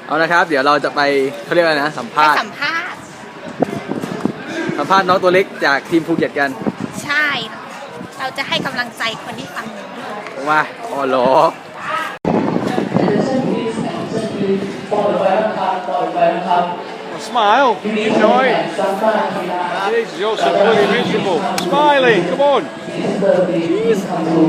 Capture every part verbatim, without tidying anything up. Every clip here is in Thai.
เอานะครับเดี๋ยวเราจะไปเขาเรียกอะไรนะสัมภาษณ์ไปสัมภาษณ์สัมภาษณ์น้องตัวเล็กจากทีมภูเก็ตกันใช่เราจะให้กำลังใจคนที่ฟังว่าอ๋อเหรอ Smile, enjoy. Jesus, you're so bloody miserable. Smiley, come on. Jeez.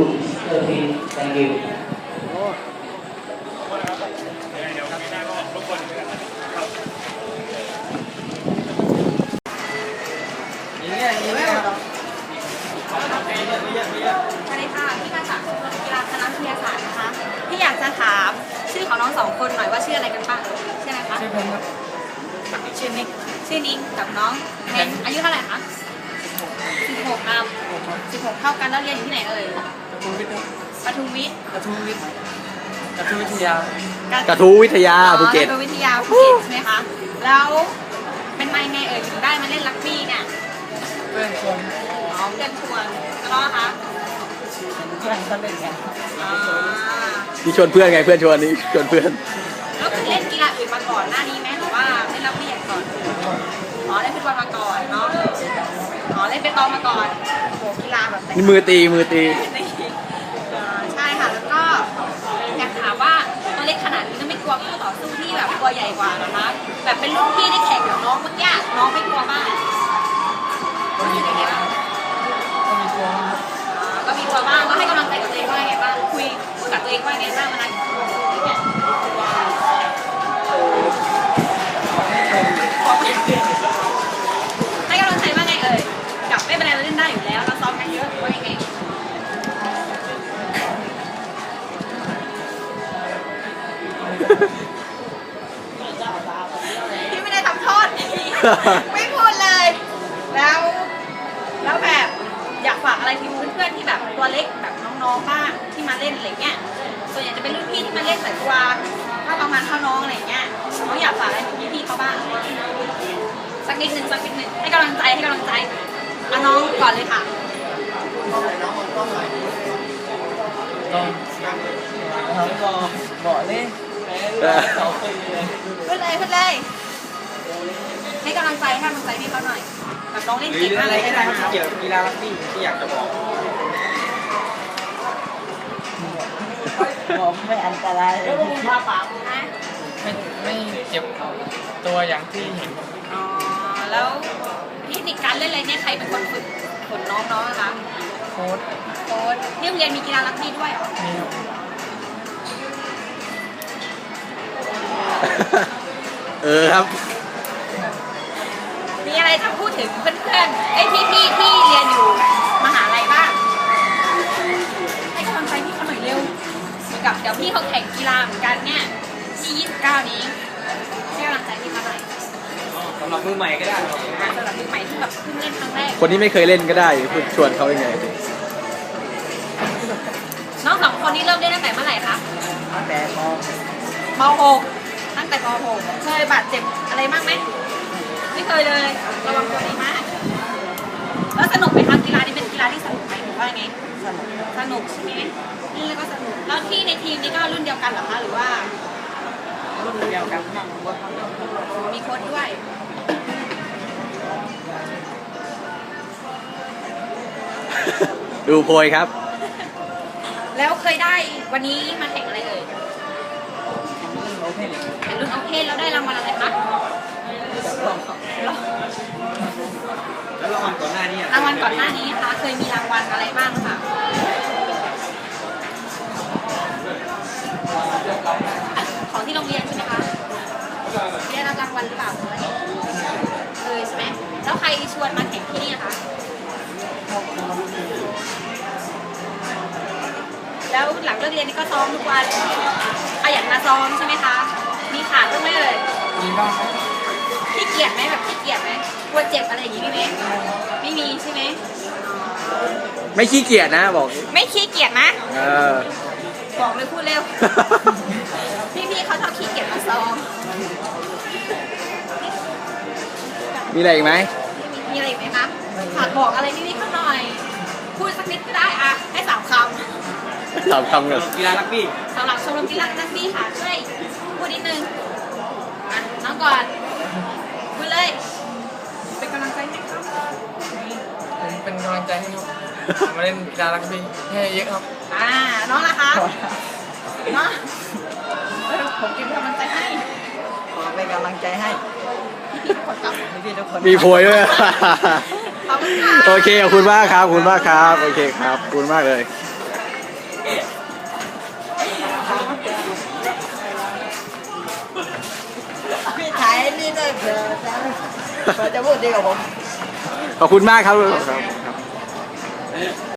สวัสดีค่ะพี่มาจากกีฬาคณะวิทยาศาสตร์นะคะพี่อยากจะถามชื่อของน้องสองคนหน่อยว่าชื่ออะไรกันบ้างชื่ออะไรคะชื่อเพนครับชื่อนิกชื่อนิกกับน้องเพนอายุเท่าไหร่คะสิบหกครับสิบหกเท่ากันแล้วเรียนอยู่ที่ไหนเอ่ยปทุมวิทย์ปทุมวิทย์กระทูวิทยากระทูวิทยาภูเก็ตกระทูวิทยาภูเก็ตใช่ไหมคะแล้วเป็นมายังไงเอ่ยถึงได้มาเล่นรักบี้เนี่ยเพื่อนชวนอ๋อเพื่อนชวนแล้วก็คะเพื่อนก็เล่นกันนี่ชวนเพื่อนไงเพื่อนชวนนี่ชวนเพื่อนแล้วเคยเล่นกีฬาอื่นมาก่อนหน้านี้ไหมหรือว่าเล่นรักบี้อย่างก่อนอ๋อเล่นฟุตบอลมาก่อนเนาะอ๋อเล่นเปตองมาก่อนโหกีฬาแบบนี่มือตีมือตีใช่ค่ะแล้วก็อยากถามว่าตัวเล็กขนาดนี้ไม่กลัวคู่ต่อสู้ที่แบบตัวใหญ่กว่านะคะแบบเป็นรุ่นพี่ที่แข่งกับน้องเมื่อกี้น้องไม่กลัวบ้างรู้สึกยังไงบ้างก็มีกลัวก็มีกลัวบ้างก็ให้กำลังใจกับตัวเองว่าไงบ้างคุยพูดกับตัวเองว่าไงบ้างมันนะให้กำลังใจว่าไงเอ่ยกับไม่เป็นไรเราเล่นได้อยู่แล้วเราซ้อมกันเยอะว่ายังไงพี่ไม่ได้ทำโทษไม่พูดเลยแล้วแล้วแบบอยากฝากอะไรถึงเพื่อนๆที่แบบตัวเล็กแบบน้องๆบ้างที่มาเล่นอะไรเงี้ยส่วนใหญ่จะเป็นรุ่นพี่ที่มาเล่นแต่ตัวถ้าประมาณเท่าน้องอะไรเงี้ยน้องอยากฝากอะไรถึงพี่ๆเขาบ้างสักนิดนึงสักนิดนึงให้กำลังใจให้กำลังใจเอาน้องก่อนเลยค่ะต้องรอบอกเลยพูดเลยพูดเลยให้กำลังใจให้กำลังใจพี่เขาหน่อยแบบน้องเล่นเก่งมากเลยอะไรเกี่ยวกับกีฬารักบี้ที่อยากจะบอกบอกไม่อันตรายเลยพาปากนะไม่ไม่เจ็บตัวอย่างที่เห็นอ๋อแล้วเทคนิคการเล่นอะไรเนี่ยใครเป็นคนฝึกฝนน้องๆนะคะโค้ชโค้ชที่โรงเรียนมีกีฬารักบี้ด้วยเหรอมีเออครับมีอะไรจะพูดถึงเพื่อนๆไอ้พี่ๆที่เรียนอยู่มหาลัยบ้างให้กำลังใจพี่เขาหน่อยเร็วเหมือนกับเดี๋ยวพี่เขาแข่งกีฬาเหมือนกันเนี่ยที่ยี่สิบเก้านี้ให้กำลังใจพี่เขาหน่อยสำหรับมือใหม่ก็ได้สำหรับมือใหม่ที่แบบเพิ่งเล่นครั้งแรกคนที่ไม่เคยเล่นก็ได้พูดชวนเขายังไงน้องสองคนนี้เริ่มเล่นตั้งแต่เมื่อไหร่คะตั้งแต่ป. ม.หกตั้งแต่ป.หกเคยบาดเจ็บอะไรบ้างไหมไม่เคยเลยระวังตัวดีมากแล้วสนุกไหมครับกีฬานี้เป็นกีฬาที่สนุกไหมหรือว่าไงสนุกสนุกใช่ไหมนี่แล้วก็สนุกแล้วที่ในทีมนี้ก็รุ่นเดียวกันเหรอคะหรือว่ารุ่นเดียวกันนั่งวัดมีโค้ชด้วยดูโพยครับแล้วเคยได้วันนี้มาแข่งอะไรเอ่ยแข่งรุ่นโอเพนแล้วได้รางวัลอะไรคะแล้วรางวัลก่อนหน้านี้รางวัลก่อนหน้านี้คะเคยมีรางวัลอะไรบ้างคะของที่โรงเรียนใช่ไหมคะได้รับรางวัลหรือเปล่าเคยใช่ไหมแล้วใครชวนมาแข่งที่นี่คะแล้วหลังเลิกเรียนนี่ก็ซ้อมทุกวันขยันมาซ้อมใช่ไหมคะมีขาดบ้างไหมเลยมีบ้างขี้เกียจไหมแบบขี้เกียจไหมกลัวเจ็บอะไรอย่างนี้ไหมไม่มีใช่ไหมไม่ขี้เกียจนะบอกไม่ขี้เกียจนะเออบอกเลยพูดเร็วพี่ๆเขาชอบขี้เกียจมาซ้อมมีอะไรอีกไหมมีอะไรอีกไหมคะฝากบอกอะไรพี่ๆเขาหน่อยพูดสักนิดก็ได้อะให้สามคำสามคำเลยกีฬารักบี้สำหรับชมรมกีฬารักบี้ค่ะช่วยพูดนิดนึงก่อนคุยเลย เป็นกำลังใจให้ครับผมเป็นกำลังใจให้ครับมาเล่นกีฬารักบี้ให้เยอะครับอ่าน้องล่ะคะน้องเออผมเก็บกำลังใจให้ขอเป็นกำลังใจให้พี่ๆทุกคนครับพี่ๆทุกคนมีโพยด้วยขอบคุณค่ะโอเคขอบคุณมากครับขอบคุณมากครับโอเคครับขอบคุณมากเลยพี่ถ่ายนี่ด้วยเผื่อจะเผื่อจะพูดดีกับผมขอบคุณมากครับ